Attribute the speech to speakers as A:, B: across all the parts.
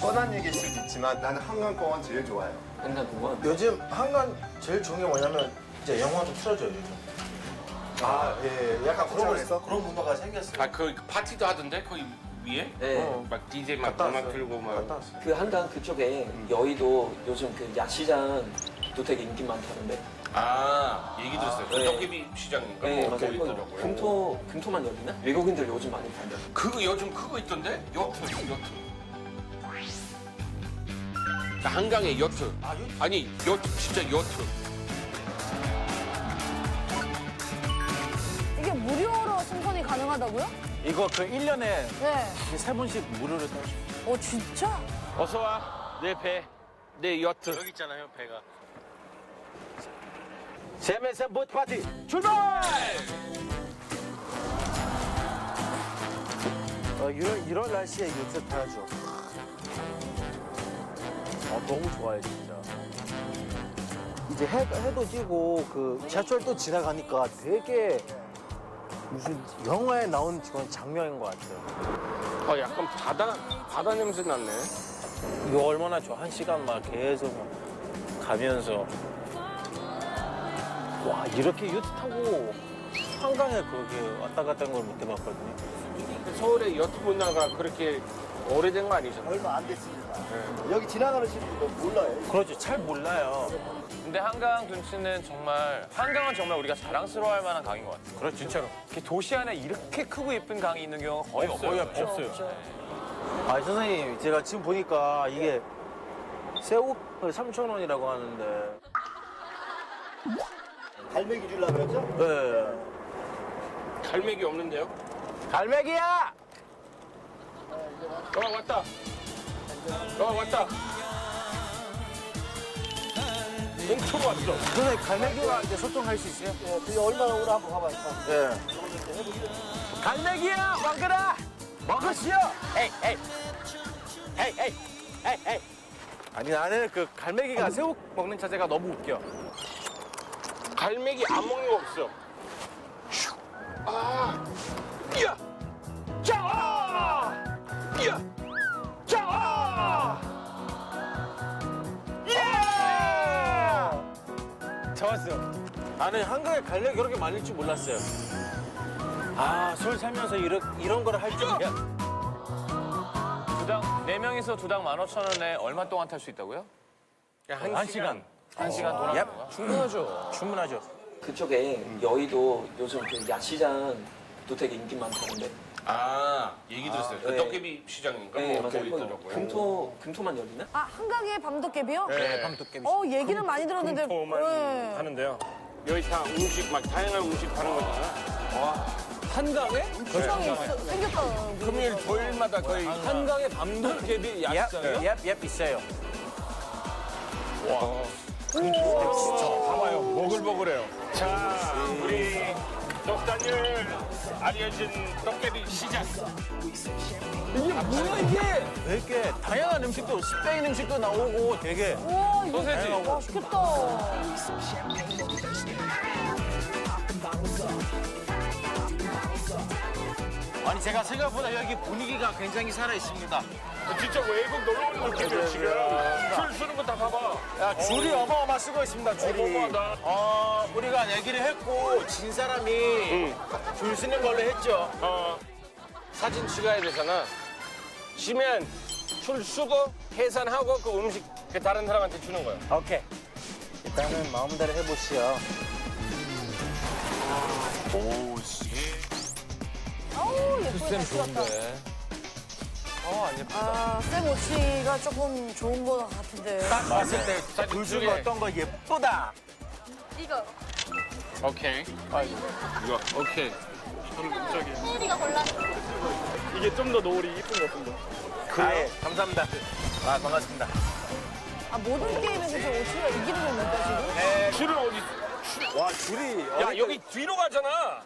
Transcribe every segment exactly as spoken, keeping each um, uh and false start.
A: 뻔한 얘기일 수도 있지만 나는 한강공원 제일 좋아요.
B: 한강공원?
C: 요즘 한강 제일 좋은 게 뭐냐면 이제 영화도 틀어줘요 요즘. 아, 예, 약간 그런
A: 차원에서?
C: 그런 문화가 생겼어요.
D: 아, 그 파티도 하던데 거기 위에?
B: 네.
C: 어.
D: 막 디제이 막
C: 갔다
D: 음악
C: 왔어요.
D: 틀고 막.
C: 갔다 왔어요.
B: 그 한강 그쪽에 여의도 요즘 그 야시장도 되게 인기 많다는데.
D: 아, 얘기 들었어요. 그
B: 네.
D: 떡개비 시장인가?
B: 네,
D: 뭐
B: 맞아요.
D: 거기
B: 거기
D: 있더라고요.
B: 금토, 금토만 열리나? 외국인들 요즘 많이 간다.
D: 그거 요즘 그거 있던데? 요트, 요트. 그 한강에 요트.
C: 아, 요트?
D: 아니, 요트, 진짜 요트.
E: 이게 무료로 승선이 가능하다고요?
F: 이거 그 일 년에
E: 네.
F: 세 번씩 무료로 탈 수 있어요.
E: 어, 진짜?
D: 어서 와. 내 배. 내 요트. 여기 있잖아요, 배가.
F: 재미있는 보트 파티 출발! 어, 이런, 이런 날씨에 요트 타야죠. 어, 너무 좋아요, 진짜. 이제 해, 해도 지고 그 지하철도 지나가니까 되게 무슨 영화에 나온 그런 장면인 것 같아요.
D: 어, 약간 바다, 바다 냄새 났네.
F: 이거 얼마나 좋아. 한 시간 막 계속 막 가면서. 와, 이렇게 요트 타고 한강에 그렇게 왔다 갔다 하는 걸 못 해봤거든요.
D: 서울의 요트 문화가 그렇게 오래된 거 아니잖아요.
G: 얼마 안 됐습니다. 여기 지나가는 분도 몰라요.
F: 그렇죠. 잘 몰라요.
H: 근데 한강 둔치는 정말 한강은 정말 우리가 자랑스러워할 만한 강인 것 같아요.
F: 그렇죠. 진짜로.
H: 이렇게 도시 안에 이렇게 크고 예쁜 강이 있는 경우가 거의 없어요.
F: 거의 없어요. 아, 선생님, 제가 지금 보니까 이게 새우 삼천 원이라고 하는데.
G: 갈매기 주려고 그랬죠?
F: 네.
D: 갈매기 없는데요?
F: 갈매기야!
D: 어, 왔다. 어, 왔다. 엄청 왔어.
F: 선생님, 갈매기와 이제 소통할 수 있어요?
G: 예, 그게 얼마나 오나 한번 가봐요.
F: 네. 갈매기야, 먹으라! 먹으시오! 에이, 에이. 에이, 에이. 에이, 에이. 아니, 나는 그 갈매기가 새우 먹는 자세가 너무 웃겨.
D: 갈매기 안 먹는 거 없어. 슉. 아, 야, 자, 아, 야, 자, 아,
F: 예! 잡았어. 나는 한강에 갈매기 그렇게 많을 줄 몰랐어요. 아, 서울 살면서 이런, 이런 걸 할 줄이야.
H: 두당 네 명이서 두당 만 오천 원에 얼마 동안 탈 수 있다고요?
D: 한,
F: 한 시간.
H: 한 시간 돌아가는
F: 예.
H: 거야?
F: 충분하죠. 충분하죠.
B: 그쪽에 여의도 요즘 그 야시장도 되게 인기 많다는데.
D: 아, 얘기 들었어요. 그
B: 네.
D: 떡개비 시장인가?
B: 네,
D: 뭐
B: 맞아요.
D: 거기
B: 거기
D: 있더라고요.
B: 금토, 금토만 열리나?
E: 아, 한강에 밤도깨비요?
D: 네.
F: 밤도깨비.
E: 어, 얘기는 많이 들었는데.
D: 금토만
E: 네.
D: 하는데요. 여기 다 음식, 막 다양한 음식 파는 거잖아.
H: 한강에?
E: 구성이 있어- 생겼다.
D: 금요일, 토요일마다 거의
H: 한강에 밤도깨비
F: 예, 예, 예, 있어요.
D: 봐봐요. 보글보글해요. 자, 우리 떡다니엘 알려진 떡개비 시장.
F: 이게 뭐야, 이게? 되게 다양한 음식도, 스페인 음식도 나오고 되게.
E: 우와, 이거
H: 소세지.
E: 맛있겠다.
F: 아니, 제가 생각보다 여기 분위기가 굉장히 살아있습니다.
D: 진짜 외국 놀러 오는 느낌이에요, 지금. 줄 서는 거 다 봐봐.
F: 야, 줄이 어마어마 쓰고 있습니다, 줄이.
D: 어마어마하다.
F: 어, 우리가 내기를 했고, 진 사람이 줄 쓰는 걸로 했죠.
D: 어, 사진 찍어야 되잖아. 쉬면 줄 쓰고 계산하고 그 음식 그 다른 사람한테 주는 거야.
F: 오케이. 일단은 마음대로 해보시오.
E: 어우, 예쁘게 잘 찍었다.
H: 어, 안 예쁘다.
E: 아, 쌤 오치가 조금 좋은 거 같은데.
F: 딱 봤을 때,
D: 사진
F: 줄 쓰고
D: 중에.
F: 어떤 거 예쁘다.
E: 이거.
D: 오케이.
F: 아이고.
D: 이거 오케이.
G: 이게 좀 더 노을이 이쁜 것 같은데.
F: 그래, 감사합니다. 아, 반갑습니다.
E: 아, 모든 게임에서 저 오치가 이기는 겁니까, 지금?
D: 줄은 어디?
F: 와, 줄이.
D: 야 여기 뒤로 가잖아.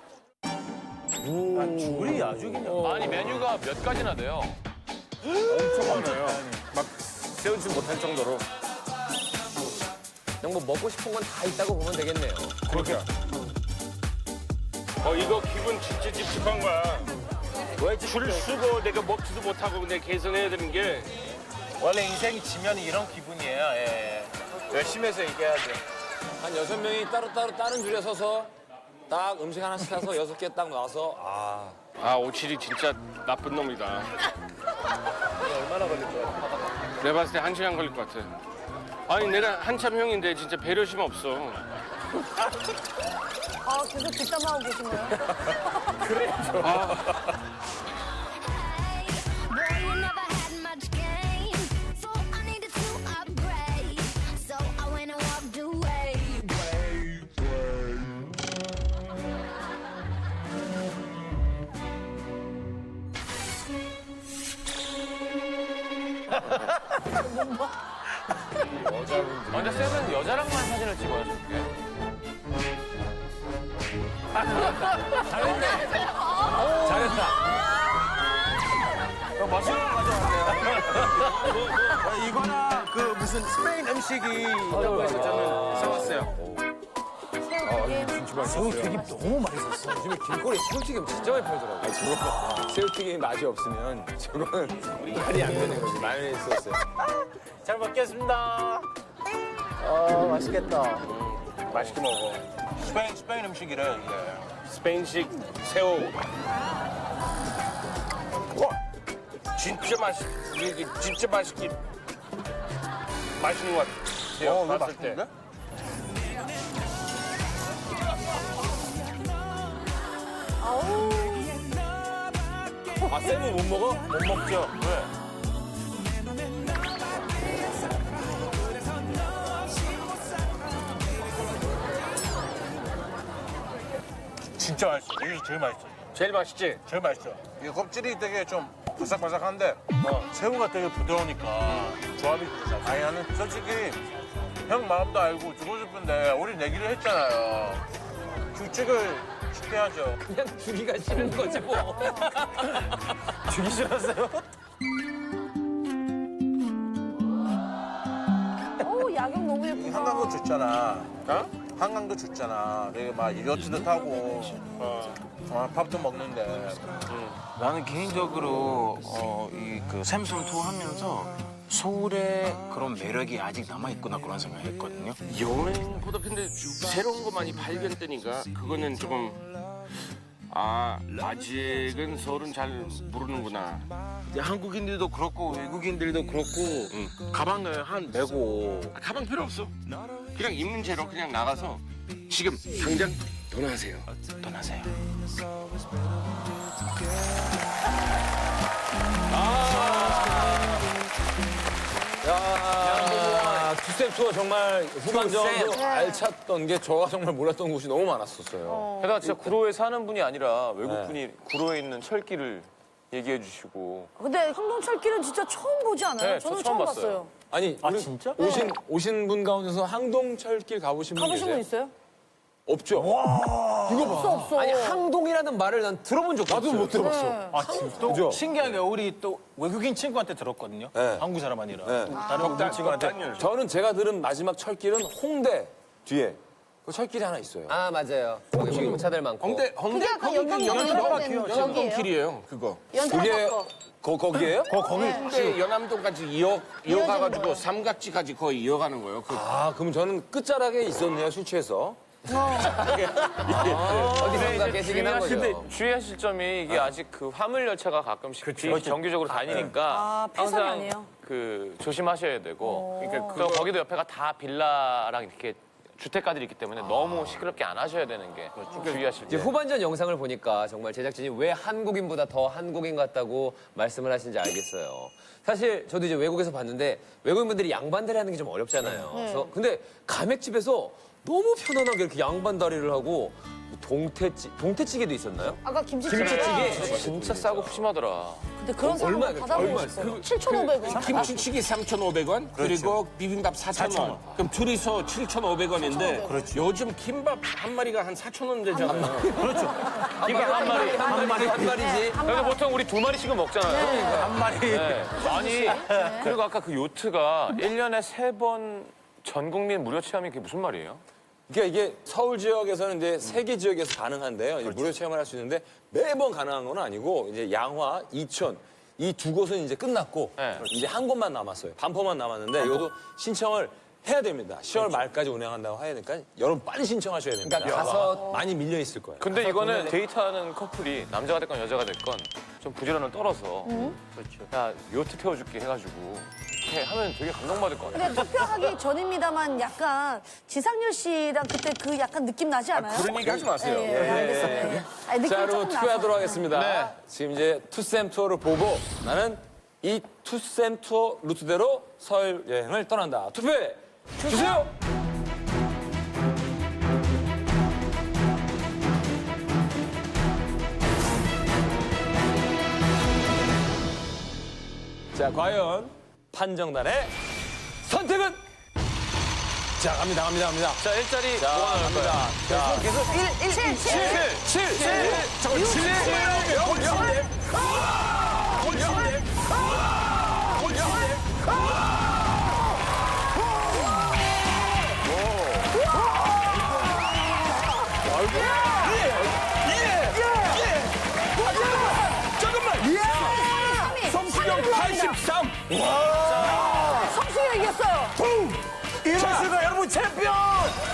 F: 아, 줄이 아주 그냥.
H: 아니 메뉴가 몇 가지나 돼요?
D: 엄청 많아요. 막 세우지 못할 정도로.
B: 그냥 뭐 먹고 싶은 건 다 있다고 보면 되겠네요.
D: 그렇게. 어 이거 기분 진짜 찝찝한 거야. 왜 줄 쓰고 내가 먹지도 못하고 근데 계산해야 되는 게
C: 원래 인생이 지면 이런 기분이에요. 예. 열심히 해서 이겨야죠.
I: 한 여섯 명이 따로따로 다른 줄에 서서 딱 음식 하나 시켜서 여섯 개 딱 나와서 아.
D: 아, 오칠이 진짜 나쁜 놈이다.
C: 얼마나 걸릴 거야?
D: 내가 봤을 때 한 시간 걸릴 것 같아. 아니, 내가 한참 형인데 진짜 배려심 없어.
E: 아, 계속 뒷담화하고 계신 거예요?
J: Boy, you never had much game, so I needed to upgrade. So I went and walked away.
H: 먼저 쌤은 여자랑만 사진을 찍어요, 저렇게.
C: 어, 맛있는 거 가져왔네요. 이거나 그 무슨 스페인 음식이 있다고 해서 저는 사왔어요.
F: 새우튀김 너무 맛있었어.
I: 요즘에 길거리에 새우튀김 진짜 많이 팔더라고요. 아니, 저거 새우튀김이 맛이 없으면 저건 말이 안 되는 거지. 마요네즈 소스.
C: 잘 먹겠습니다.
F: 아, 맛있겠다.
C: 맛있게 먹어. 스페인, 스페인 음식이래, 이게.
D: 스페인식 새우. 와, 진짜 맛있, 이게 진짜 맛있게 맛있는 것 같아요.
C: 어, 이거
D: 봤을 때.
C: 맛있는데?
I: 아, 쌤은 못 먹어?
C: 못 먹죠? 왜? 진짜 맛있어. 이게 제일 맛있어.
D: 제일 맛있지?
C: 제일 맛있어. 이게 껍질이 되게 좀 바삭바삭한데 어, 새우가 되게 부드러우니까 조합이 좋아. 아니 나는 솔직히 형 마음도 알고 주고 싶은데 우리 내기를 했잖아요. 규칙을 지켜야죠.
I: 그냥 주기가 싫은 거지 뭐.
C: 주기 싫었어요?
E: 오, 야경 너무 예쁘다.
C: 한강도 좋잖아. 어? 한강도 좋잖아. 되게 막 요트도 타고 어, 어, 밥도 먹는데.
K: 나는 개인적으로 어, 이 그 샘슨 투어 하면서 서울의 그런 매력이 아직 남아있구나 그런 생각을 했거든요.
D: 여행보다 근데 새로운 거 많이 발견되니까 그거는 조금 아 아직은 서울은 잘 모르는구나.
K: 이제 한국인들도 그렇고 외국인들도 그렇고 가방 한 메고
D: 아, 가방 필요 없어. 그냥 있는 채로 그냥 나가서 지금 당장 떠나세요.
K: 떠나세요.
I: 야, 투스텝 투어 정말 후반전도 알찼던 게 저가 정말 몰랐던 곳이 너무 많았었어요.
H: 게다가 진짜 구로에 사는 분이 아니라 외국분이 구로에 있는 철길을 얘기해 주시고.
E: 근데 항동철길은 진짜 처음 보지 않아요?
H: 네, 저
E: 저는
H: 처음
E: 처음
H: 봤어요.
E: 봤어요.
F: 아니, 아,
E: 네.
F: 진짜?
I: 오신, 오신 분 가운데서 항동철길 가보신 분
E: 가보신 분
I: 계세요?
E: 있어요?
I: 없죠? 이거 봐.
E: 없어, 없어.
I: 아니, 항동이라는 말을 난 들어본 적도 없어요. 나도 못 들어봤어.
E: 네.
C: 아, 진짜? 또
I: 그죠?
C: 신기한 게 우리 또 외국인 친구한테 들었거든요.
I: 네.
C: 한국 사람 아니라.
I: 네.
C: 또 다른 외국인 친구한테.
I: 저는 제가 들은 마지막 철길은 홍대 뒤에 그 철길이 하나 있어요.
B: 아 맞아요. 거기 홍차들 많고.
D: 홍대
E: 그게
D: 홍대
E: 아까 연경 연결된 여기예요?
D: 길이에요. 그거.
I: 그게
E: 연탄
I: 거, 거기에요?
C: 거, 거기
D: 홍대 연암동까지 이어 이어가가지고 삼각지까지 거의 이어가는 거예요. 그
I: 아, 그럼 저는 끝자락에 있었네요, 술 취해서.
B: 어디선가 계시긴 한 거죠.
H: 근데 주의하실 점이 이게 아직 그 화물 열차가 가끔씩 비- 정기적으로 다니니까
E: 아, 폐선이
H: 항상
E: 아니에요?
H: 그 조심하셔야 되고.
E: 그러니까
H: 또 거기도 옆에가 다 빌라랑 이렇게 주택가들이 있기 때문에 너무 시끄럽게 안 하셔야 되는 게 주의하실
B: 이제
H: 때.
B: 후반전 영상을 보니까 정말 제작진이 왜 한국인보다 더 한국인 같다고 말씀을 하시는지 알겠어요. 사실 저도 이제 외국에서 봤는데 외국인분들이 양반다리 하는 게 좀 어렵잖아요. 그래서 근데 가맥집에서 너무 편안하게 이렇게 양반다리를 하고 동태찌, 동태찌개도 있었나요?
E: 아까 김치찌개.
B: 김치찌개.
H: 진짜 싸고 푸짐하더라.
E: 근데 그런 사람
B: 얼마예요?
E: 받아보고
B: 얼마예요?
E: 싶어요. 칠천오백 원.
D: 김치찌개 삼천오백 원 그리고 비빔밥 사천 원. 그럼 둘이서 칠천오백 원인데 요즘 김밥 한 마리가 한 사천 원 되잖아요.
H: 김밥 한 마리.
B: 한 마리 한 마리지.
H: 그래서 보통 우리 두 마리씩은 먹잖아요.
C: 한 마리.
H: 네. 아니, 그리고 아까 그 요트가 일 년에 세 번 전 국민 무료 체험이 그게 무슨 말이에요?
I: 그러니까 이게 서울 지역에서는 이제 세 개 지역에서 가능한데요. 이제 무료 체험을 할 수 있는데 매번 가능한 건 아니고 이제 양화, 이천 이 두 곳은 이제 끝났고
H: 네.
I: 이제 한 곳만 남았어요. 반포만 남았는데 이것도 신청을 해야 됩니다. 시월 말까지 운영한다고 해야 되니까 여러분 빨리 신청하셔야 됩니다.
B: 그러니까 가서
I: 많이 밀려 있을 거예요.
H: 근데 이거는 데이트하는 커플이 남자가 됐건 여자가 됐건 좀 부지런을 떨어서 그렇죠. 야 요트 태워줄게 해가지고 이렇게 하면 되게 감동받을 것 같아요.
E: 근데 투표하기 전입니다만 약간 지상렬 씨랑 그때 그 약간 느낌 나지 않아요?
H: 그런 얘기 하지 마세요.
E: 예, 예, 알겠습니다. 예. 아니, 느낌
I: 자, 여러분
E: 조금
I: 투표하도록
E: 나서.
I: 하겠습니다.
H: 네.
I: 지금 이제 투쌤 투어를 보고 나는 이 투쌤 투어 루트대로 서울 여행을 떠난다. 투표해 주세요. 자, 과연 판정단의 선택은? 자, 갑니다, 갑니다, 갑니다.
H: 자 일자리
I: 자,
H: 뭐가 나올 거야?
I: 갑니다. 자, 계속 일, 일, 칠, 칠, 칠, 칠. 잠깐, 칠, 영, 영, 영. 성시경 팔십삼.
E: 성승이가 이겼어요.
I: 이럴 수가 여러분 챔피언!